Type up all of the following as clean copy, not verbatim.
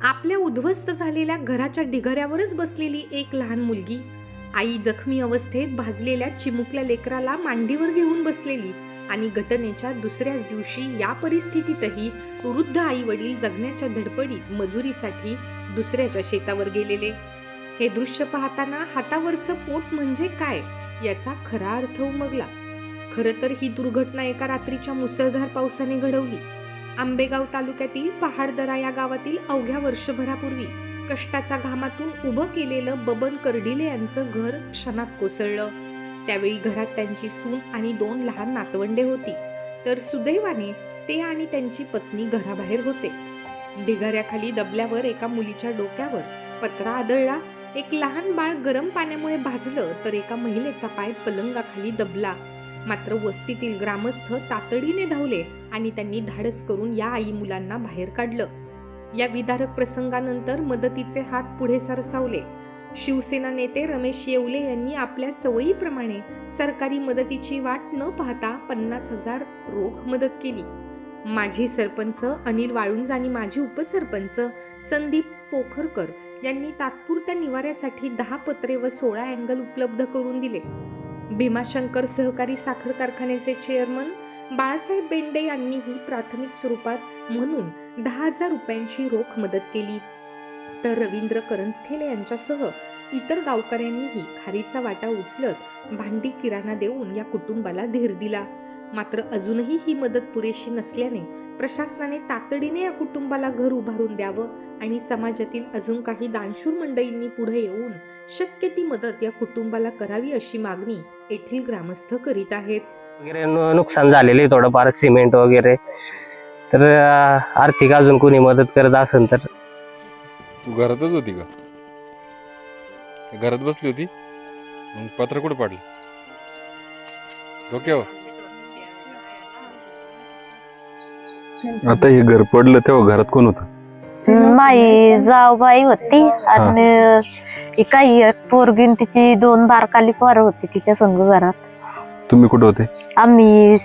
आपल्या उद्ध्वस्त झालेल्या घराच्या ढिगाऱ्यावरच बसलेली एक लहान मुलगी, आई जखमी अवस्थेत भाजलेल्या चिमुकल्या लेकराला मांडीवर घेऊन बसलेली आणि घटनेच्या दुसऱ्याच दिवशी या परिस्थितीतही वृद्ध आई वडील जगण्याच्या धडपडीत मजुरीसाठी दुसऱ्याच्या शेतावर गेलेले. हे दृश्य पाहताना हातावरचं पोट म्हणजे काय याचा खरा अर्थ उमगला. खरं तर ही दुर्घटना एका रात्रीच्या मुसळधार पावसाने घडवली. आंबेगाव तालुक्यातील पहाडदरा या गावातील अवघ्या वर्षभरापूर्वी कष्टाच्या घामातून उभं केलेलं बबन कर्डिले यांचं घर क्षणात कोसळलं. त्यावेळी घरात त्यांची सून आणि 2 लहान नातवंडे होती, तर सुदैवाने ते आणि त्यांची पत्नी घराबाहेर होते. ढिगाऱ्याखाली दबल्यावर एका मुलीच्या डोक्यावर पत्रा आदळला. एक लहान बाळ गरम पाण्यामुळे भाजलं, तर एका महिलेचा पाय पलंगाखाली दबला. मात्र वस्तीतील ग्रामस्थ तातडीने धावले आणि त्यांनी धाडस करून या आई मुलांना बाहेर काढलं. या विदारक प्रसंगानंतर मदतीचे हात पुढे सरसावले. शिवसेना नेते रमेश येवले यांनी आपल्या सवयीप्रमाणे सरकारी मदतीची वाट न पाहता 50,000 रोख मदत केली. माजी सरपंच अनिल वाळुंज आणि माजी उपसरपंच संदीप पोखरकर यांनी तात्पुरत्या निवाऱ्यासाठी 10 पत्रे व 16 अँगल उपलब्ध करून दिले. भीमाशंकर सहकारी साखर कारखान्याचे चेअरमन बाळासाहेब बेंडे यांनीही प्राथमिक स्वरूपात म्हणून 10,000 रुपयांची रोख मदत केली. तर रवींद्र करंजखेले यांच्यासह इतर गावकऱ्यांनीही खारीचा वाटा उचलत भांडी किराणा देऊन या कुटुंबाला धीर दिला. मात्र अजूनही ही मदत पुरेशी नसल्याने प्रशासनाने तातडीने या कुटुंबाला घर उभारून द्यावं आणि समाजातील अजून काही दानशूर मंडळींनी पुढे येऊन शक्य ती मदत या कुटुंबाला करावी अशी मागणी येथील ग्रामस्थ करीत आहेत. वगैरे नुकसान झालेले थोडंफार सिमेंट वगैरे, तर आर्थिक अजून कोणी मदत करत असेल तर. तू घरातच होती का? घरात बसली होती? मग पत्र कुठे पडलं? डोक्यावर? आता हे घर पडलं तेव्हा घरात कोण होतं? माई जाऊबाई होती आणि काही पोरगीन तिची 2 बारकाली पोरं होती तिच्या संग घरात. तुम्ही कुठे होते? आम्ही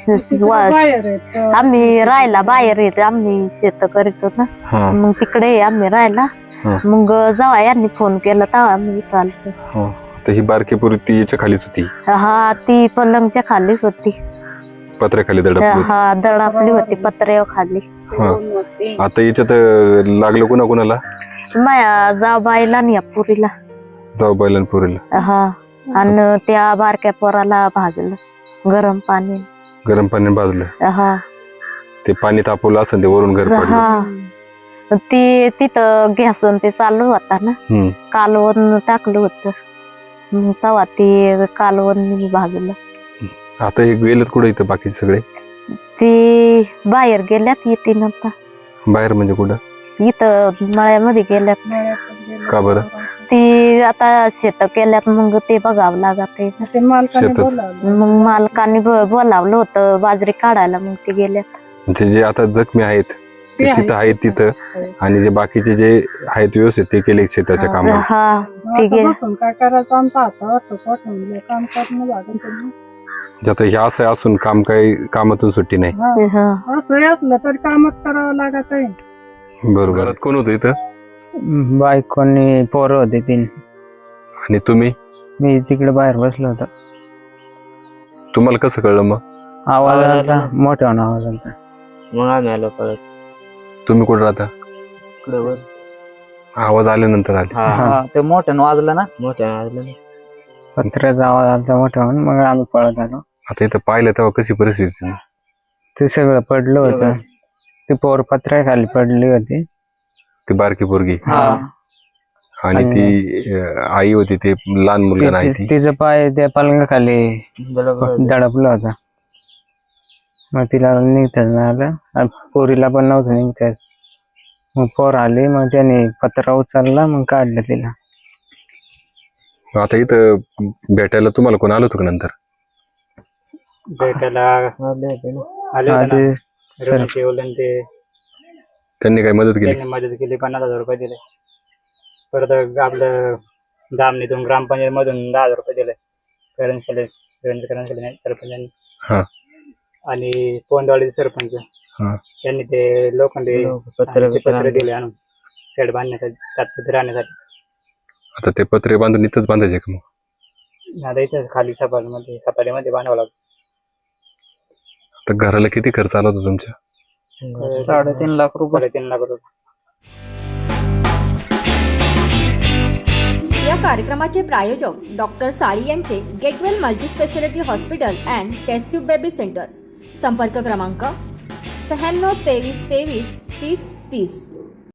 राहायला बाहेर येते. आम्ही शेत करीत होतो ना, मग तिकडे आम्ही राहायला. मग जेव्हा यांनी फोन केला तेव्हा आम्ही इथं आलो. तर ही बारकी पोरी ती याच्या खालीच होती? हा, ती पलंगच्या खालीच होती. पत्र्याखाली दडपली होती? हा, दडापली होती पत्र्यावर खाली. आता याच्यात लागलं कुणा कुणाला? माया जाऊबाईला आणि या पुरीला. जाऊबाईला पोरीला? हा, आणि त्या बारक्या पोराला भाजलं गरम पाणी भाजलं? हा. ते पाणी तापवलं असं ते वरून घर पडलं? हा, ते तिथं गॅस ते चालू होता ना, कालवण टाकलं होतं, तेव्हा ते कालवण भाजलं. आता हे गेलेत कुठे इथं बाकी सगळे? ते बाहेर गेल्यात, येते नंतर. बाहेर म्हणजे कुठं? इथं मळ्यामध्ये गेल्यात. का बरं? ते आता शेत केल्यात, मग ते बघावं लागत. मग मालकाने बोलावलं होतं बाजरी काढायला, मग ते गेल्यात. म्हणजे जे आता जखमी आहेत ते तिथं आहेत तिथं, आणि जे बाकीचे जे आहेत व्यवस्थित ते केले शेताच्या कामाला? हा, ते गेले. काय करायचं आमचा हातावर काम करणं लागेल. आता हे असं असून कामातून सुट्टी नाही? असं असलं तरी कामच करावं लागत आहे. बरोबर. घरात कोण होतं इथं? बायकोनी पोरं होते 3. आणि तुम्ही? मी तिकडे बाहेर बसलो होतो. तुम्हाला कसं कळलं मग? आवाज आला, मोठ्या आवाज आला, मग आम्ही आलो परत. तुम्ही कुठं राहता? आवाज आल्यानंतर आले? ते मोठ्यानं वाजलं ना, पत्र्याचा आवाज आला मोठ्या, मग आम्ही पळत आलो. आता इथं पाहिलं तेव्हा कशी परिस्थिती? ते सगळं पडलं होतं. ती पोर पत्र्याखाली पडली होती, ती बारकी पोरगी. आणि ती आई होती, ते लहान मुलगा नाही, तिचं पाय त्या पलंगाखाली दडपलं होतं. मग तिला निघता आलं, पोरीला पण नव्हतं निघतात. मग पोर आली, मग त्याने पत्रा उचलला, मग काढलं तिला. आता इथं भेटायला तुम्हाला कोण आलं होतं का नंतर? भेटायला त्यांनी काय मदत केली? मदत केली, 50,000 रुपये दिले. परत आपलं दामणीतून ग्रामपंचायत मधून 10,000 रुपये दिले सरपंचांनी. आणि पोंदवाडीचे सरपंच त्यांनी ते लोखंडी पत्र दिले आणून. शेड बांधण्यासाठी तात्पुरते राहण्यासाठी. आता ते पत्रे बांधून इथंच बांधायचे का मग? आता इथं खाली सपाटीमध्ये बांधावं लागतं. आता घराला किती खर्च आला होता तुमच्या? 3.5 लाख रुपये. 3.5 लाख रुपये. या कार्यक्रमाचे प्रायोजक डॉक्टर साळी यांचे get well multispeciality hospital and test tube baby centre. संपर्क क्रमांक 96 23 23 30 30.